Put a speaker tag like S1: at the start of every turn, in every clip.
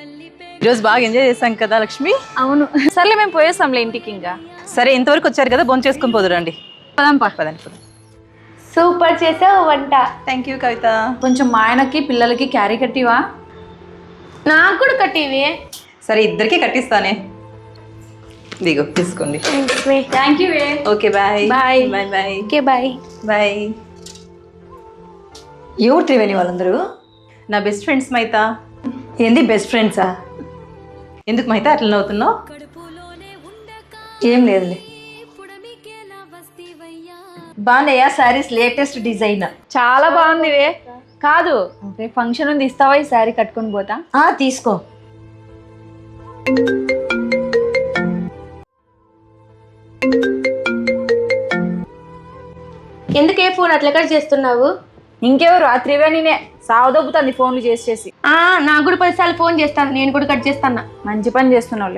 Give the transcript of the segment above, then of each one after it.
S1: ఈరోజు బాగా ఎంజాయ్ చేశాం కదా లక్ష్మి.
S2: అవును, సర్లే మేము పోయేస్తాంలే ఇంటికి. ఇంకా
S1: సరే, ఇంతవరకు వచ్చారు కదా, భోంచేసుకొని చేసుకుని పోదురండి. పదండి.
S3: సూపర్ చేసావు వంట.
S1: Thank you Kavitha.
S2: కొంచెం మా ఆయనకి పిల్లలకి క్యారీ కట్టివా?
S3: నాకు కూడా కట్టివి.
S1: సరే, ఇద్దరికి కట్టిస్తానే. దిగు, తీసుకోండి.
S2: Thank you.
S1: Okay, bye
S3: bye.
S1: Bye bye.
S3: Okay bye
S1: bye.
S4: ఎవరు త్రివేణి వాళ్ళందరూ?
S1: నా బెస్ట్ ఫ్రెండ్స్ మైతా.
S4: ఏంది బెస్ట్ ఫ్రెండ్సా?
S1: ఎందుకు మైతా అట్లా నవ్వుతున్నావు?
S4: ఏం లేదులే. బాగున్నాయా శారీస్? Latest design.
S2: చాలా బాగుంది. కాదు, రేపు ఫంక్షన్ ఉంది, ఇస్తావా ఈ శారీ కట్టుకొని పోతా?
S4: తీసుకో.
S3: ఎందుకే ఫోన్ అట్లా కట్ చేస్తున్నావు?
S2: ఇంకెవరు? రాత్రివే నేనే సావదొబ్బుతుంది ఫోన్లు చేసి.
S3: నాకు కూడా 10 సార్లు ఫోన్ చేస్తాను, నేను కూడా కట్ చేస్తాను.
S2: మంచి పని చేస్తున్నావులే.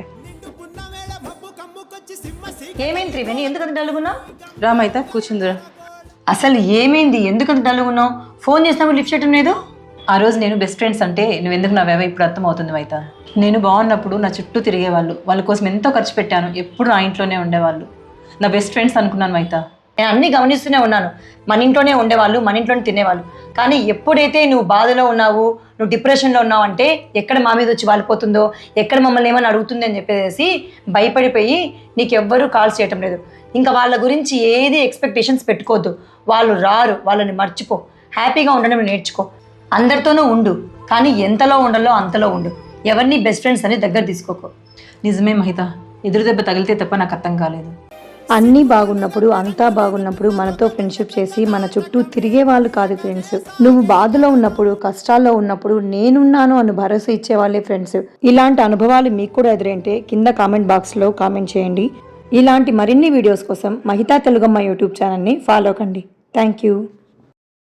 S4: ఏమైంది త్రివేణి, ఎందుకంత డల్గున్నావు?
S1: రా మైతా, కూర్చుందిరా.
S4: అసలు ఏమైంది, ఎందుకంత డల్గున్నావు? ఫోన్ చేసినప్పుడు లిఫ్ట్ చేయడం లేదు.
S1: ఆ రోజు నేను బెస్ట్ ఫ్రెండ్స్ అంటే నువ్వెందుకు నవ్వావో ఇప్పుడు అర్థం అవుతుంది మైతా. నేను బాగున్నప్పుడు నా చుట్టూ తిరిగేవాళ్ళు, వాళ్ళ కోసం ఎంతో ఖర్చు పెట్టాను, ఎప్పుడు నా ఇంట్లోనే ఉండేవాళ్ళు. నా బెస్ట్ ఫ్రెండ్స్ అనుకున్నాను మైతా.
S4: నేను అన్నీ గమనిస్తూనే ఉన్నాను. మన ఇంట్లోనే ఉండేవాళ్ళు, మన ఇంట్లోనే తినేవాళ్ళు. కానీ ఎప్పుడైతే నువ్వు బాధలో ఉన్నావు, నువ్వు డిప్రెషన్లో ఉన్నావు అంటే ఎక్కడ మా మీద వచ్చి వాలిపోతుందో, ఎక్కడ మమ్మల్ని ఏమైనా అడుగుతుంది అని చెప్పేసి భయపడిపోయి నీకు ఎవ్వరూ కాల్స్ చేయటం లేదు. ఇంకా వాళ్ళ గురించి ఏది ఎక్స్పెక్టేషన్స్ పెట్టుకోవద్దు. వాళ్ళు రారు, వాళ్ళని మర్చిపో. హ్యాపీగా ఉండడం నేర్చుకో. అందరితోనూ ఉండు, కానీ ఎంతలో ఉండాలో అంతలో ఉండు. ఎవరిని బెస్ట్ ఫ్రెండ్స్ అని దగ్గర తీసుకోకు.
S1: నిజమే మహిత, ఎదురు దెబ్బ తగిలితే తప్ప నాకు అర్థం కాలేదు.
S5: అన్నీ బాగున్నప్పుడు, అంతా బాగున్నప్పుడు మనతో ఫ్రెండ్షిప్ చేసి మన చుట్టూ తిరిగే వాళ్ళు కాదు ఫ్రెండ్స్. నువ్వు బాధలో ఉన్నప్పుడు, కష్టాల్లో ఉన్నప్పుడు నేనున్నాను అని భరోసా ఇచ్చేవాళ్ళే ఫ్రెండ్స్. ఇలాంటి అనుభవాలు మీకు కూడా ఎదురైంటే కింద కామెంట్ బాక్స్లో కామెంట్ చేయండి. ఇలాంటి మరిన్ని వీడియోస్ కోసం మహితా తెలుగమ్మ యూట్యూబ్ ఛానల్ని ఫాలో కండి. Thank you.